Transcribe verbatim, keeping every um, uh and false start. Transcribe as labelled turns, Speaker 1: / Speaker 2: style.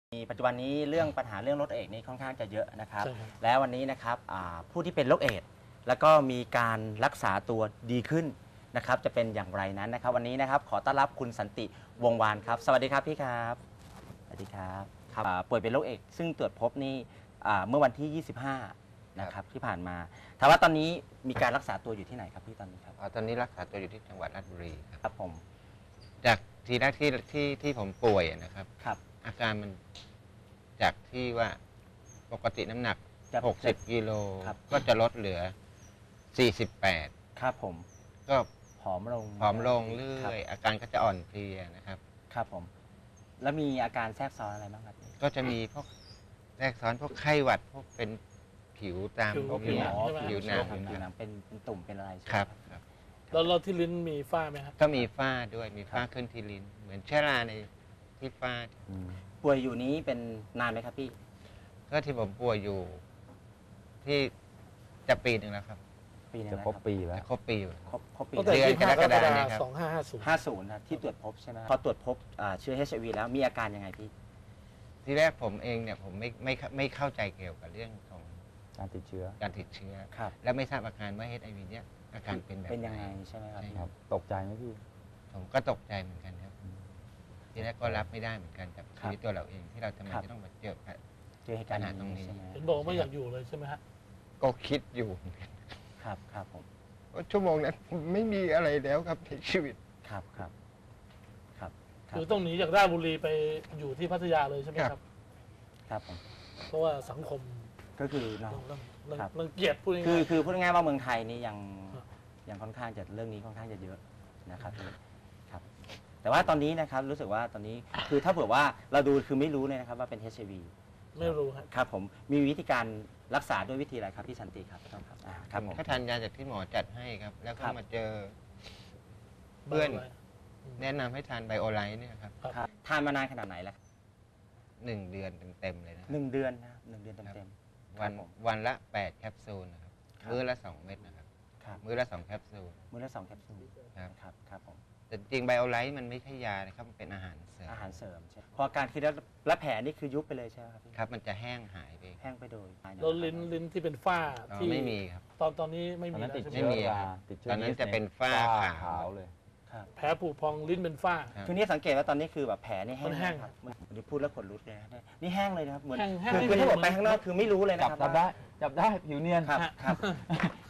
Speaker 1: มีปัจจุบันนี้เรื่องปัญหาเรื่องโรคเอดส์นี่ค่อนข้างจะเยอะนะครับ
Speaker 2: ใช่ครับ
Speaker 1: แล้ววันนี้นะครับผู้ที่เป็นโรคเอดส์แล้วก็มีการรักษาตัวดีขึ้นนะครับจะเป็นอย่างไรนั้นนะครับวันนี้นะครับขอต้อนรับคุณสันติวงศ์วานครับสวัสดีครับพี่ครับสวัสดีครับครับป่วยเป็นโรคเอดส์ซึ่งตรวจพบนี่เมื่อวันที่ยี่สิบห้านะครับที่ผ่านมาถามว่าตอนนี้มีการรักษาตัวอยู่ที่ไหนครับพี่ตอนนี้ครับ
Speaker 3: ตอนนี้รักษาตัวอยู่ที่จังหวัดราชบุรีครับ
Speaker 1: ครับผม
Speaker 3: จากทีแรกที่ที่ที่ผมป่วยนะครับ
Speaker 1: ครับ
Speaker 3: อาการมันจากที่ว่าปกติน้ำหนักหกสิบกิโลก็จะลดเหลือสี่สิบแปด
Speaker 1: ครับผม
Speaker 3: ก็
Speaker 1: ผอมลง
Speaker 3: ผอมลงเรื่อยอาการก็จะอ่อนเพลียนะครับ
Speaker 1: ครับผมแล้วมีอาการแทรกซ้อนอะไรบ้างครับ
Speaker 3: ก็จะมีพวกแทรกซ้อนพวกไข้หวัดพวกเป็นผิวตาม
Speaker 2: ผิวหนัง
Speaker 3: ผิวหนัง
Speaker 1: ผิวหนังเป็นเป็นตุ่มเป็นอะไรใช่ไหม
Speaker 3: ครับครับ
Speaker 2: แล้วเราที่ลิ้นมีฝ้าไหมครับ
Speaker 3: ก็มีฝ้าด้วยมีฝ้าขึ้นที่ลิ้นเหมือนเชื้อราในที่ฝ้า
Speaker 1: ป่วยอยู่นี้เป็นนานไหมครับพี่
Speaker 3: ก็ที่ผมป่วยอยู่ที่จะปีหนึ่งแล้วครับ
Speaker 1: ปีนึง
Speaker 4: จะครบปีแล้ว
Speaker 3: ครบปี
Speaker 1: ครบครบปี
Speaker 2: ตั้งแต่ยี่สิบห้ากรกฎาคมสองห้าห้าศูนย์
Speaker 1: ห้าศูนย์นะที่ตรวจพบใช่ไหมพอตรวจพบเชื้อ เอช ไอ วี แล้วมีอาการยังไงพี่
Speaker 3: ที่แรกผมเองเนี่ยผมไม่ไม่ไม่เข้าใจเกี่ยวกับเรื่องของ
Speaker 4: การติดเชื้อ
Speaker 3: การติดเชื้อ
Speaker 1: ครับ
Speaker 3: แล้วไม่ทราบอาการว่า เอช ไอ วี เนี่ยอาการเป็นแบบ
Speaker 1: เป็นยังไงใช่ไหมครับ
Speaker 4: ตกใจไหมพี่
Speaker 3: ผมก็ตกใจเหมือนกันครับทีแรกก็รับไม่ได้เหมือนกันกับชีวิตตัวเราเองที่เราทำไมจะต้องมาเจอ
Speaker 1: เจอเหตุการณ์
Speaker 3: ตรงนี้
Speaker 2: เห็นบอกว่าไม่อยากอยู่เลยใช่ไหมฮะ
Speaker 3: ก็คิดอยู่
Speaker 1: ครับครับผม
Speaker 3: ชั่วโมงนั้นไม่มีอะไรแล้วครับในชีวิต
Speaker 1: ครับครับครับ
Speaker 2: คือต้องหนีจากราชบุรีไปอยู่ที่พัทยาเลยใช่ไหมครับ
Speaker 1: ครับผม
Speaker 2: เพราะว่าสังคม
Speaker 1: ก็คือเนาะ
Speaker 2: รังเกียจพูดง่าย
Speaker 1: คือคือพูดง่ายว่าเมืองไทยนี่ยังยังค่อนข้างจะเรื่องนี้ค่อนข้างจะเยอะนะครับครับแต่ว่าตอนนี้นะครับรู้สึกว่าตอนนี้คือถ้าเผื่อว่าเราดูคือไม่รู้เลยนะครับว่าเป็น เอช ไอ วี
Speaker 2: ไม่รู้
Speaker 1: ครับผมมีวิธีการรักษาด้วยวิธีอะไรครับพี่สันติครับครับ
Speaker 3: ครับผมแค่ทานยาจากที่หมอจัดให้ครับแล้วก็มาเจอเพื่อนแนะนำให้ทานไบโอไลท์เนี่ยครับ
Speaker 1: ทานมานานขนาดไหนแล้ว
Speaker 3: หนึ่งเดือนเต็มๆเลยนะ
Speaker 1: หนึ่งเดือนนะหนึ่งเดือนเต็ม
Speaker 3: ๆวันวันละแปดแคปซูลนะครับมื้อละสองเม็ดนะครับมื้อละสองแคปซูล
Speaker 1: มื้อละสองแคปซูล
Speaker 3: ครับ
Speaker 1: ครับครับผม
Speaker 3: แต่จริงไบโอไลท์มันไม่ใช่ยานะครับมันเป็นอาหารเสริม
Speaker 1: อาหารเสริมใช่พอการคือแล้วแผลนี่คือยุบไปเลยใช่ไหมครับ
Speaker 3: ครับมันจะแห้งหายไป
Speaker 1: แห้งไปโดย
Speaker 2: แล้วลิ้นลิ้นที่เป็นฝ้าที่
Speaker 3: ไม่มีครับ
Speaker 2: ตอนตอนนี้ไม่มี
Speaker 4: แล้ว
Speaker 3: ไม่มีตอนนั้นจะเป็นฝ้าขาว
Speaker 4: เลย
Speaker 2: แผลผุพองลิ้นเป็นฝ้า
Speaker 1: ทีนี้สังเกตว่าตอนนี้คือแบบแผลนี่แห้งครับนี่พูดแล้วขนลุกเลยนี่แห้งเลยนะครับเหมือนคือถ้าบอกไปข้างนอกคือไม่รู้เลยนะครับ
Speaker 4: จับได้จับได้ผิวเนียน
Speaker 1: ครับครับ